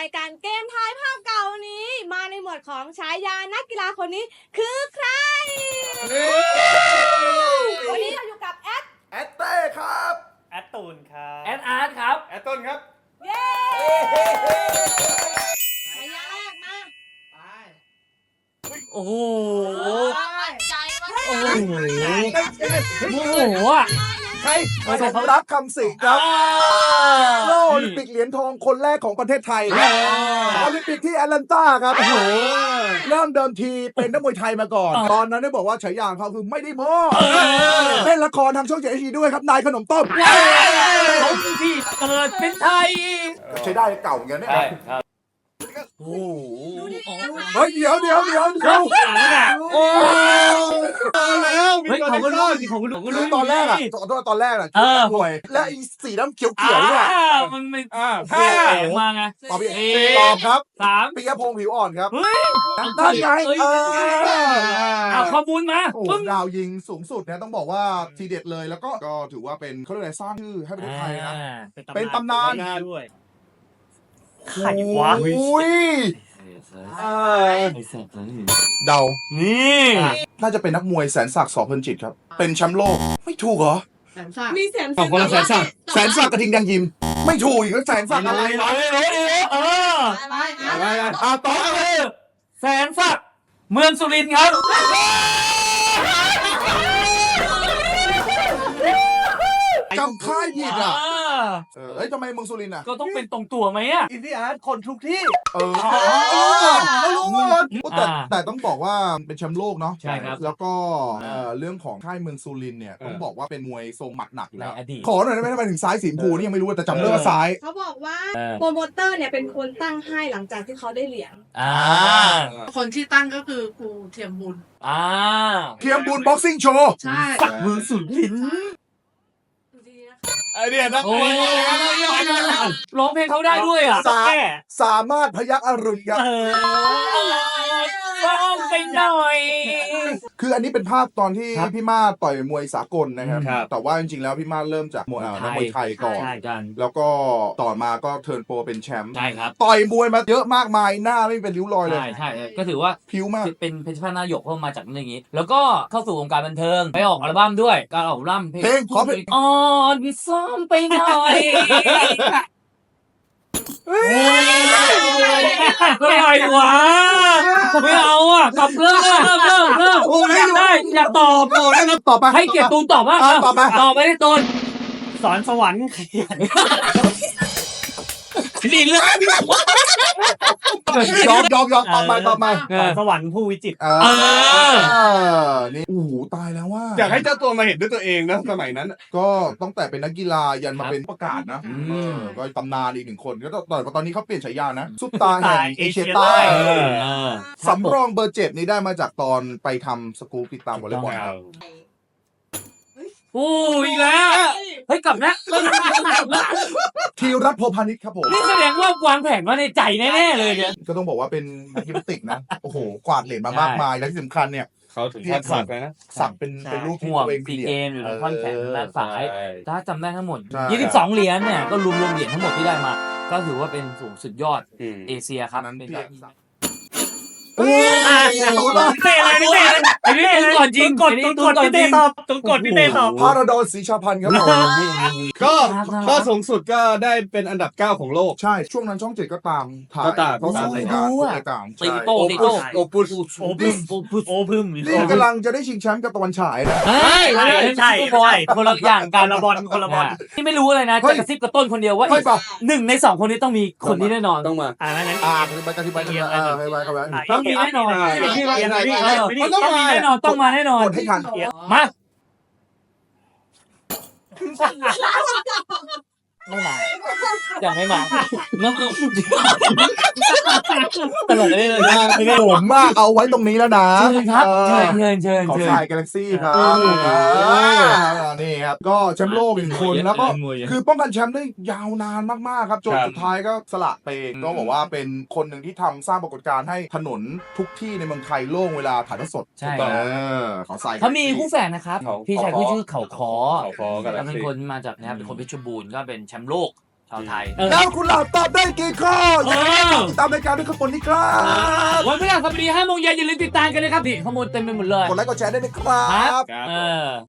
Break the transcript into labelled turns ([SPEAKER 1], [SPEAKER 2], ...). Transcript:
[SPEAKER 1] ายการเกมทายภาพเก่านี้มาในหมวดของฉายานักกีฬาคนนี้คือใครวันนี้เราอยู่กับแอด
[SPEAKER 2] เต้ครับ
[SPEAKER 3] แอดตูนครับ
[SPEAKER 4] แอดอาร์ตครับ
[SPEAKER 2] แอดต้นครับ
[SPEAKER 1] เย้ฉายาแรกมา
[SPEAKER 4] โอ้โห
[SPEAKER 1] ใจว่า
[SPEAKER 4] โอ้โหโมโหอ่ะ
[SPEAKER 2] ใครสมรักคำสิงครับโลโอลิมปิกเหรียญทองคนแรกของประเทศไทยครับโอลิมปิกที่แอตแลนตาครับโอ้โหเริ่มเดิมทีเป็นนักมวยไทยมาก่อน ตอนนั้นได้บอกว่าฉายาของเขาคือไม่ได้โม้เล่นละครทางช่อง7 HD ด้วยครับนายขนมต้ม
[SPEAKER 4] เขาคือพี่เกิดเป็นไทย
[SPEAKER 2] ใช้ได้เก่าเหมือนกันเนี่ย
[SPEAKER 4] ใช่ครับ
[SPEAKER 2] โอ้โหเฮ้ยเดี๋ยว
[SPEAKER 4] โอ้แล้วเฮ้ยเขาก็รู้ของคุณก็รู้
[SPEAKER 2] ตอนแรกอ่ะตอนแรกอ่ะมวยและไอ้สีน้ำเขียวเนี่ย
[SPEAKER 4] มันไม่เสียงมาไง
[SPEAKER 2] ตอบครับ
[SPEAKER 4] 3
[SPEAKER 2] ปิยพงษ์ผิวอ่อนครับ
[SPEAKER 4] เฮ้ย
[SPEAKER 2] ได้ไง
[SPEAKER 4] เอาข้อมูลมา
[SPEAKER 2] โอ้ดาวยิงสูงสุดเนี่ยต้องบอกว่าทีเด็ดเลยแล้วก็ถือว่าเป็นเขาเรียกอะไรสร้างชื่อให้ประเทศไทยนะเป็นตำนาน
[SPEAKER 3] ด้วย
[SPEAKER 4] ใครวะ
[SPEAKER 2] อุ้ยเดา
[SPEAKER 4] นี่
[SPEAKER 2] น่าจะเป็นนักมวยแสนศักดิ์สอเพลินจิตครับเป็นแชมป์โลกไม่ถูกเหรอ
[SPEAKER 1] มีแสน
[SPEAKER 2] คนละแสนศักดิ์กระทิงแดงยิมไม่ถูกอีกแล้วแสนศักดิ์อะไร
[SPEAKER 4] ต่อเลยแสนศักดิ์เมืองสุรินทร์ครับ
[SPEAKER 2] จำค่ายผิดอ่ะทำไมเมืองสุรินทร์อ่ะ
[SPEAKER 4] ก็ต้องเป็นตรงตัวไหมอ่ะ
[SPEAKER 3] อินดี้อาร์ตคนทุกที่
[SPEAKER 2] รู้หมดแต่ต้องบอกว่าเป็นแชมป์โลกเนาะ
[SPEAKER 4] ใช่ครับ
[SPEAKER 2] แล้วก็เรื่องของค่ายเมืองสุรินทร์เนี่ยต้องบอกว่าเป็นมวยทรงหมัดหนักอยู่แล้ว
[SPEAKER 4] ในอดีต
[SPEAKER 2] ขอหน่อยได้ไหมทำไมถึงซ้ายสีชมพูนี่ยังไม่รู้แต่จำได้ว่าซ้าย
[SPEAKER 1] เขาบอกว่าโปรโมเตอร์เนี่ยเป็นคนตั้งให้หลังจากที่เขาได้เหรียญ
[SPEAKER 5] คนที่ตั้งก็คือครูเทียมบุญ
[SPEAKER 2] เทียมบุญบ็อกซิ่งโชว์
[SPEAKER 5] ใช่
[SPEAKER 4] ศักดิ์เมืองสุรินทร์
[SPEAKER 2] ไอเดียนะ
[SPEAKER 4] ร้องเพลงเขาได้ด้วยอ่ะ
[SPEAKER 2] สามารถพยักอรุณครับ
[SPEAKER 4] ร้องไปหน่อย
[SPEAKER 2] คืออันนี้เป็นภาพตอนที่พี่มาต่อยมวยสากลนะครับแต่ว่าจริงๆแล้วพี่มาเริ่มจากมวยนักมวยไทยก่อนแล้วก็ต่อมาก็เทิร์นโปรเป็นแชมป์
[SPEAKER 4] ใช่ครับ
[SPEAKER 2] ต่อยมวยมาเยอะมากมายหน้าไม่เป็นริ้วรอยเลย
[SPEAKER 4] ใช่ก็ถือว่า
[SPEAKER 2] ผิวมาก
[SPEAKER 4] เป็นเพชรพนายกเข้ามาจากอย่างนี้แล้วก็เข้าสู่วงการบันเทิงไปออกอัลบั้มด้วยการออกอัลบั้มเพลง
[SPEAKER 2] ขอเพลง
[SPEAKER 4] อ่อนซ้อมไปหน่อยอะไรวะไม่เอาอ่ะกลับเริ่มอยากตอบ
[SPEAKER 2] ต่อไป
[SPEAKER 4] ให้เกียรติตูนตอบบ้างตอบไปได้ตูน
[SPEAKER 3] สอนสวรรค์
[SPEAKER 4] นี่เรื่อง
[SPEAKER 2] ยอมต่อไป
[SPEAKER 3] สอนสวรรค์ผู้วิจิตร
[SPEAKER 2] นี่โอ้โหตายแล้วว่า
[SPEAKER 3] อยากให้เจ้าตัวมาเห็นด้วยตัวเองนะสมัยนั้น
[SPEAKER 2] ก็ตั้งแต่เป็นนักกีฬายันมาเป็นประกาศนะก็ตำนานอีกหนึ่งคนก็ตอนนี้เขาเปลี่ยนฉายานะซุปตาแห่งเอเชียใต้สำรองเบอร์7นี้ได้มาจากตอนไปทำสกู๊ปติดตามวอลเลย์บอลครับ
[SPEAKER 4] โอ้อีกแล้วเฮ้ยกลับนะ
[SPEAKER 2] ธีรัตน์ โพพานิชครับผม
[SPEAKER 4] นี่แสดงว่าวางแผนมาในใจแน่ๆเลยเนี่ย
[SPEAKER 2] ก็ต้องบอกว่าเป็นนักยิมนาสติกนะโอ้โหกวาดเหรียญมามากมายและที่สำคัญเนี่ย
[SPEAKER 3] เขาถึงขั้นสักเลยนะ
[SPEAKER 2] สักเป็นรูป
[SPEAKER 4] ห่วงซีเกมอยู่ในท่อนแขนด้านซ้ายถ้าจำได้ทั้งหมด22เหรียญเนี่ยก็รวมเหรียญทั้งหมดที่ได้มาก็ถือว่าเป็นสูงสุดยอดเอเชียครับเป็น
[SPEAKER 3] เต้อะไรนี่เต้
[SPEAKER 4] ไอ้นี่ก่อนจริง
[SPEAKER 3] กดพี่เต้ตอบพี่เต้ตอบ
[SPEAKER 2] พาราดอนศรีชาพันธ์ครับ
[SPEAKER 3] ก็สูงสุดก็ได้เป็นอันดับ9ของโลก
[SPEAKER 2] ใช่ช่วงนั้นช่อง7ก็ตามถ่าย
[SPEAKER 3] เขา
[SPEAKER 2] ตามรายการ
[SPEAKER 4] ตีโต้
[SPEAKER 3] โอพึม
[SPEAKER 2] นี่กำลังจะได้ชิงแชมป์กับตะวันฉายนะ
[SPEAKER 4] ใช่คนละอย่างการละบอลคนละบอลที่ไม่รู้อะไรนะจะกระซิบกระต้นคนเดียวว่า1 ใน 2คนนี้ต้องมีคนนี้แน่นอน
[SPEAKER 3] ต้องมา
[SPEAKER 4] งั้น
[SPEAKER 2] ไปกระซิบไป
[SPEAKER 4] ต้องมีแน่นอนต้องมาแน่นอน
[SPEAKER 2] กดให้ทัน
[SPEAKER 4] มาไม่มายังไม่มาตลอดเลย
[SPEAKER 2] ผมมากเอาไว้ตรงนี้แล้วนะ
[SPEAKER 4] เชิญครับเชิญ
[SPEAKER 2] ขอสายกาแล็กซี่ครับนี่ครับก็แชมป์โลก1 คนแล้วก็คือป้องกันแชมป์ได้ยาวนานมากๆครับจนสุดท้ายก็สละไปก็บอกว่าเป็นคนหนึ่งที่ทำสร้างปรากฏการณ์ให้ถนนทุกที่ในเมืองไทยโล่งเวลาถ่ายทอดสด
[SPEAKER 4] ใช่
[SPEAKER 2] ขอสาย
[SPEAKER 4] เขามีคู่แฝดนะครับพี่ชายผู้ชื่อเขาคอ
[SPEAKER 3] ก็
[SPEAKER 4] เป็นคนมาจากนะครับเป็นคนเพชรบูรณ์ก็เป็นแชมป์โลกชาวไทย
[SPEAKER 2] แล้วคุณหลับตอบได้กี่ข้อติดตามรายการด้วยข้างบนนี้ครับ
[SPEAKER 4] วันพฤหัสบดี5 โมงเย็นอย่าลืมติดตามกันนะครับนี่ข้อมูลเต็มไปหมดเลย
[SPEAKER 2] กดไลค์กดแชร์ได้เลยครั
[SPEAKER 4] ครับ
[SPEAKER 2] บ
[SPEAKER 4] เออ